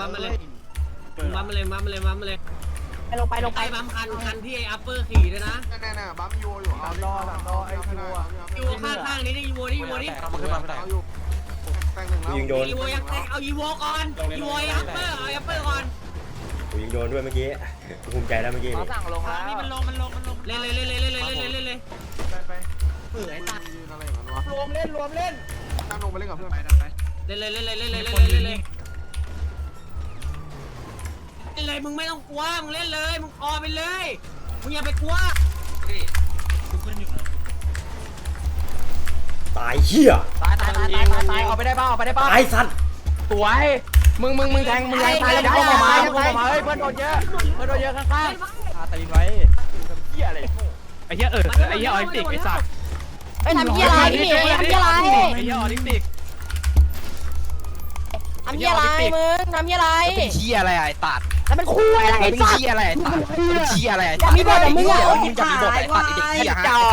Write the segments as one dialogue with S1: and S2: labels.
S1: บัมมาเลยบัมมาเลยบัมมาเลยบัมมาเลยลงไปบัมคันที่ไอ้อัปเปอร์ขี่ด้วยนะ
S2: แน่ๆบัมยูอยู่เอารอไอ้ยู
S1: ยูข้างๆนี้ได้ยูโวนี่
S2: เอาขึ้นมาไม่ได้เอาอยู่แต่งหนึ่งแล้ว
S3: ยิงโดน
S1: ยูโวยังเอายูโวก่อนยูโวอัปเปอร์เอาอัปเปอร์ก่อน
S3: กูยิงโดนด้วยเมื่อกี้ภูมิใจแล้วเมื่อกี้นี่
S1: สั่งลงแล้วนี่มันลงเล่นเลย
S2: ไปเปื่อยตาอะไรอย่างนั้นวะรวมเล่นตั้งลงไปเล่นกับเพื่อนไป
S1: เล่นเลยมึงไม่ต้องกลัวมึงเล่นเลยมึงออไปเลยมึงอย่าไปกลัว
S3: ตายเหี้ย
S4: ตายเอาไปได้ป่ะ
S3: ตายสัตว์
S4: สวยมึงแทงตายแล้วมึงออกมาเฮ้ยเพื่อนโดนเยอะข้างๆตีนไว้เหี้ยอะไรไอ้เหี้ยไอ้เหี้ยออลิมปิกไอ้สัตว์
S5: ไอ้ทำเหี้ยอะไรพี่ทำเหี้ยอะไร
S4: ไอ้เหี้ยออลิมปิก
S5: ทำเหี้ยอะไรมึงทำเหี้ยอะไร
S4: เป็นเหี้ยอะไรไอ้ตัด
S5: แล้วมันคุยอะไรไอ้สัตว์
S4: เป็นเหี้ยอะไรไอ้ตัดเป็นเหี้ยอะไรไอ้ตัด
S5: มีบทมึงอ่ะ
S4: มึงจะมีบทไอ้ตัดไอ้เด็กเหี้ยฮะ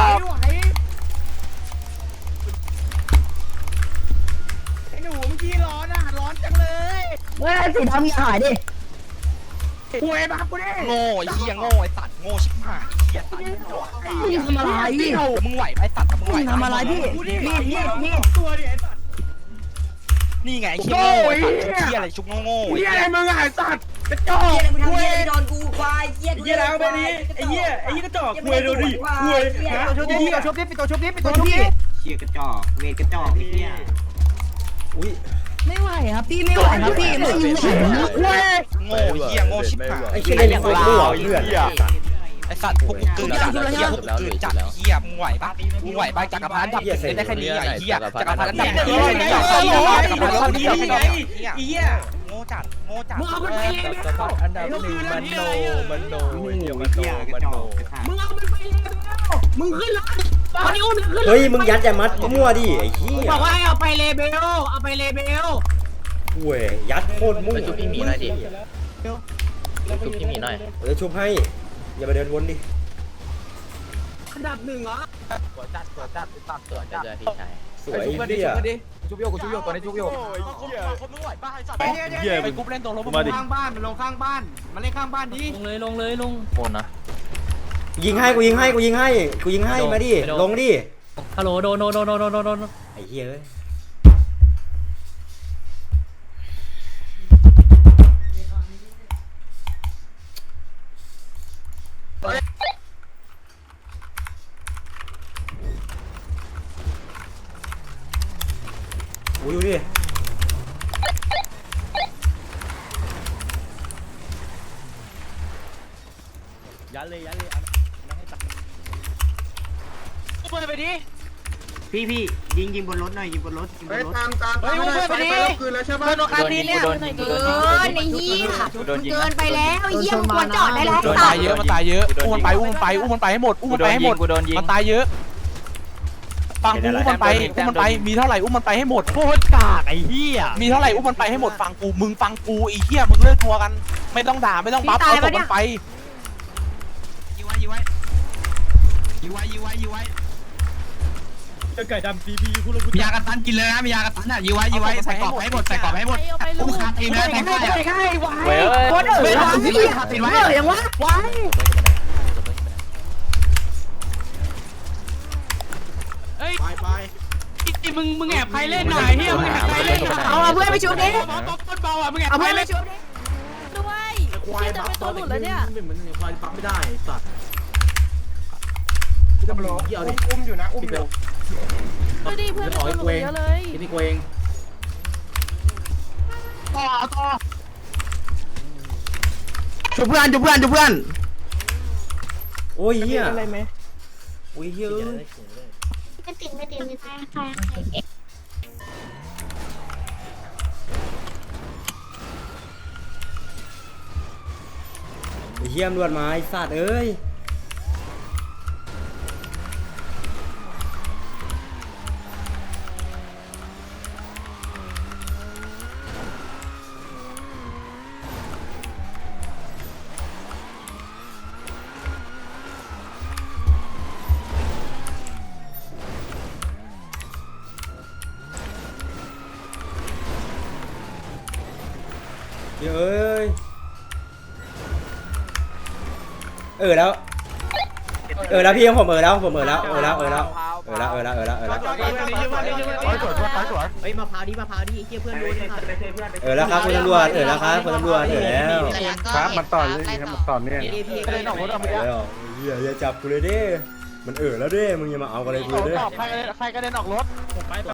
S2: ไอ้หนูเมื่อกี้ร้อนจังเลย
S5: เฮ้ยสิทำเหี้ยหายดิ
S2: คุยมากูดิ
S4: โง่ไอ้เหี้ยโง่ไอ้ตัดโง่ชิบหายเหี้ยตัด
S5: มึงทำอะไร
S4: มึงไหวไอ้ตัดมึงไหว
S5: ทำอะไรพี่นี่
S2: ตัวดิไอ้สัตว์
S4: นี่ไงไอ้เหี้ยโง่ไอ้เหี้ยอะไรชุบโง่
S2: ไอ้เหี้ยอะไรมึงไอ้สัตว์กระจอก
S5: คุยโดนกูควายเหี้ย
S2: แล้วไปดิไอ้เหี้ยกระจอกคุยดูดิคุย
S4: ตัวชุบดิปิดตัวชุบดิ
S6: เชียกระจอกเวทกระจอกไอ้เหี้ย
S3: อุ้ย
S5: ไม่ไหวครับพี่ไม่ไหวครับพี่ไม่ไหว
S4: โง่เหี้ยโง่ชิบหาย
S3: ไอ้เหี้ยเล่นอย่างมั่วเพื่อน
S4: ไอ้สัตว์พวกกูเกินจัดเหี้ยพวกกูเกินจัดเหี้ยมึงไหวปะจักรพรรดิดับได้แค่นี้ไอ้เหี้ยจักรพรรดิดับได้แค่นี้จักรพรรดิดับแค่นี้
S2: ไอ้เหี้ย
S4: โง่จัด
S1: มึงเอามันไปเลย
S4: อันดับ1มันโนเดี๋ยวมันโน
S1: มึงเอามันไปเลยมึงขึ้นรถตอนนี้อุ้มขึ้น
S3: เฮ้ยมึงยัดอย่ามัดมั่วดิไอ้เหี้ย
S1: บอกว่าให้เอาไปเลเบล
S3: เว้ยยัดโคตรมั่ว
S7: ชุบพี่มีหน่อยดิชุบพี่มีหน่อย
S3: เดี๋ยวชุบให้อย่าไปเดินวนดิ
S1: อันดับ1เหรอ
S4: ตัวจัดตัดตัวจัด
S7: พี่ชาย
S3: สวยเหี้ย
S4: ชุบโยกตัวนี้ชุบโยกคนมึงไหวป่ะไอ้สัตว์เหี้ยไปกุ๊บเล่นตรงลง
S2: ข้างบ้านมันลงข้างบ้านมาเล่นข้างบ้านดิ
S7: ลงโคนนะ
S3: ยิงให้กูยิงให้มาดิลงดิ
S7: ฮัลโหลโดน
S3: ไอ้เหี้ยเอ้ยดูดิ
S4: ยันเลย
S1: ไปดิ
S6: พี่ยิงบนรถหน่อยยิงบนรถ
S2: ตาม
S1: ไปดิ
S2: คืนแล้วใช่ป่ะ
S1: โดนคาทีเนี่ย
S5: เกินไอ้เหี้ยเกินไปแล้วไอ้เหี้ยมึงควรจอดได้แล้ว
S4: มันตายเยอะอุ้มมันไปให้หมดมันตายเยอะฟังกูอุ้มมันไปมีเท่าไหร่อุ้มมันไปให้หมดโคตรกากไอ้เหี้ยมีเท่าไหร่อุ้มมันไปให้หมดฟังกูมึงฟังกูไอ้เหี้ยมึงเลิกทัวกันไม่ต้องด่าไม่ต้องบัฟเอาศพมันไป
S1: ยื้ไว้
S4: จะไก่ดำซีพีคุณลูก
S1: มียากระตันกินเลยนะมียากระตันอ่ะยื้ไว้ใส่กรอบให้หมดอุ้มคาตีนเลยแทงได้
S4: เว้ย
S1: ไม่ทำที่คาตีนไว้
S5: ยังวะไว้
S1: มึงแอบใครเล่นหน่อยเฮียมึงแอบใครเล่น
S5: เอาเพื่อนไปชุบดิ
S1: ต้นเบาอ่ะมึงแอบใครเล่น
S5: ด้วยควายจะเป็นตัวหลุดแล้วเนี่ย
S2: เหมือนควายปั๊มไม่ได้สัตว์จะมาล้อเกี่ยวดิอุ้มอยู่
S5: ดูดิเพื่อนเป็นตัวหลุดเยอะเลย
S2: นี่กูเอง
S1: ต่อ
S4: จุบเพื่อน
S3: โอ้ยเหี้ยอะไรไหมโอ้ยเหี้ย
S5: ไม่ติดใคร
S3: เหี้ยมรวดมาไอ้สัตว์เอ้ยเอ้ยแล้วพี่ของผมแล้วผมแล้ว
S2: เฮ้ยมะพร้าวดิมะพร้าวดิเฮียเพื่อนโดนเลย
S3: แล้วครับคุณตำรวจแล้วครับคุณตำรวจแล้ว
S8: ครับมันต่อเลยครับมันต่อเนี่ย
S2: กระเด็นออกรถเอาไปแล้ว
S3: อย่าจับกูเลยดิมันแล้วดิมึงอย่ามาเอาอะไรกูเลย
S4: ใครกระเด็นออกรถ